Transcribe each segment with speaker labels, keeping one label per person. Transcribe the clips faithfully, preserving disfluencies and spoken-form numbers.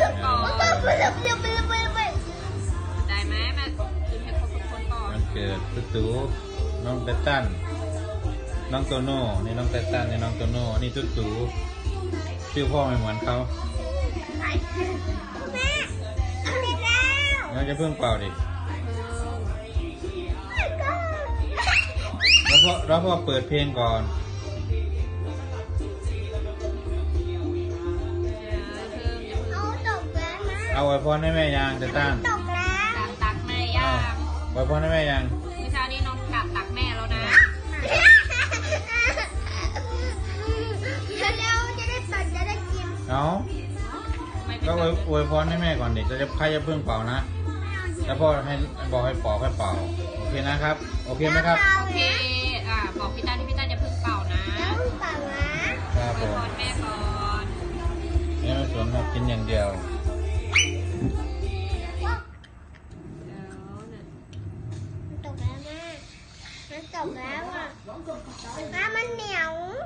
Speaker 1: ก่อน ได้ไหมแม่กินให้ครบทุกคนก่อน
Speaker 2: วันเกิดตุ๊ตูน้องเตตันน้องโตโน่นี่น้องเตตันนี่น้องโตโน่นี่ตุ๊ตูชื่อพ่อไม่เหมือนเขาเราจะเพิ่งเป่าดิแล้วพ่อแล้วพ่อเปิดเพลงก่อนเอาไว้พรให้แม่ยังเตตัน
Speaker 1: ตักตักแม่ย่าง
Speaker 2: ไว้พรให้แม่ยัง
Speaker 1: เมื่อเช้านี้น้องกลับตักแม่แล้วนะ
Speaker 2: เอาก็อวยอวยพรให้แม่ก่อนเด็กจะจะใครจะเพิ่งเป่านะแล้วพ่อให้บอกให้ปอกให้เป่าโอเคนะครับโอเคไหมครับ
Speaker 1: โอเค อ่า บอกพี่ตั้นที่พี่ตั้นอย่าเพิ่งเป่านะครับ
Speaker 2: ผ
Speaker 1: อวย
Speaker 2: ม
Speaker 1: พรแม่ก่อน
Speaker 2: แม่ไม่สนครับกินอย่างเดียว
Speaker 1: เดี๋ยวเนี่ย
Speaker 3: จบแล้วอ่ะน้ำมันเหนียว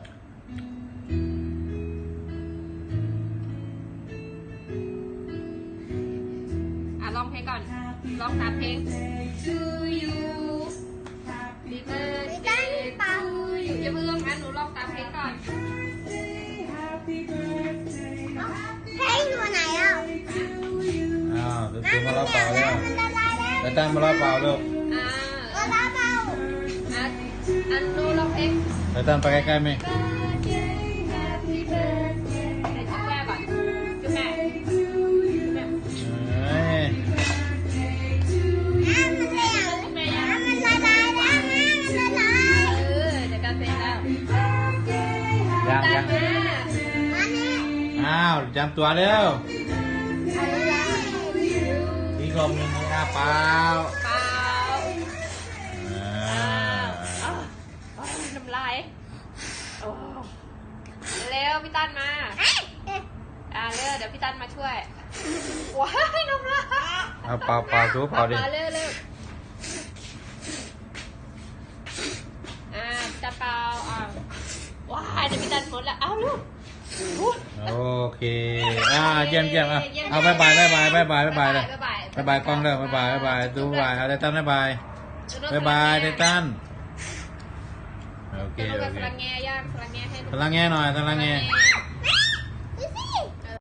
Speaker 1: อ่ะร้องเพลงก่อนร้องตามเพลง To you Happy birthday to you อย่าเพิ่งร้องนะหนูร้องตามเพลงก่อน
Speaker 3: เพลงอยู่ไหนอ่ะ
Speaker 2: อ้าวตุ๊ตูมารับเป่าแล้ว
Speaker 3: มันละลายแล้ว
Speaker 2: เตตันมารับเป่าลูก
Speaker 1: อ่า
Speaker 3: ละลายเปล่า
Speaker 1: อ่ะอันหนูร้องเพลง
Speaker 2: เตตันไปใกล้ๆไหม
Speaker 1: Happy birthday ให้จุ๊บแม่ก่อนจุ๊บแม่จุ๊บแม่
Speaker 2: เอ้ย
Speaker 3: น้ำมันเหนียว
Speaker 1: จุ๊บแม่ยัง
Speaker 3: น้ำมันละลายแล้วน้ำมันละลาย
Speaker 1: เออเดี๋ยวการเพลงแล้ว
Speaker 2: ยัง
Speaker 1: ตา
Speaker 2: ยั
Speaker 1: ม
Speaker 2: ง
Speaker 1: มา
Speaker 3: อันนี้
Speaker 2: อ้าวจำตัวเร็ว
Speaker 3: เอาแล้ว
Speaker 2: อีกลมหนึ่งหน้าเปล่า
Speaker 1: เปล่า
Speaker 2: อ่า
Speaker 1: อ้าวอ้าวน้ำลายโอ้เร็วพี่ตั้นมา
Speaker 3: เอ๊ะเอ๊ะ
Speaker 1: อ่าเร็วเดี๋ยวพี่ตั้นมาช่วยว้ายน้ำลาย
Speaker 2: เอาเป่าเป่าทูเป่าดิ
Speaker 1: เร็วเร็วอ่าจะเป่าอ่าว้ายเดี๋ยวพี่ตั้นหมดแล้วเอาลูกอุ๊ย
Speaker 2: โอเคอ่าเยี่ยมเยี่ยมอ่ะเอาบายบายบายบายบายบายบายบายเลย
Speaker 1: บ๊ายบาย
Speaker 2: บายบายกล้องเลยบายบายบายบายดูบายบายเอาเตตันบายบายบายบายเตตันโอเค
Speaker 1: จะลง
Speaker 2: โอ
Speaker 1: กับ
Speaker 2: เค
Speaker 1: พลังแง่ย่างพลังแง่ให้
Speaker 2: พลังแง่หน่อยพลังแง่
Speaker 1: พลังแง่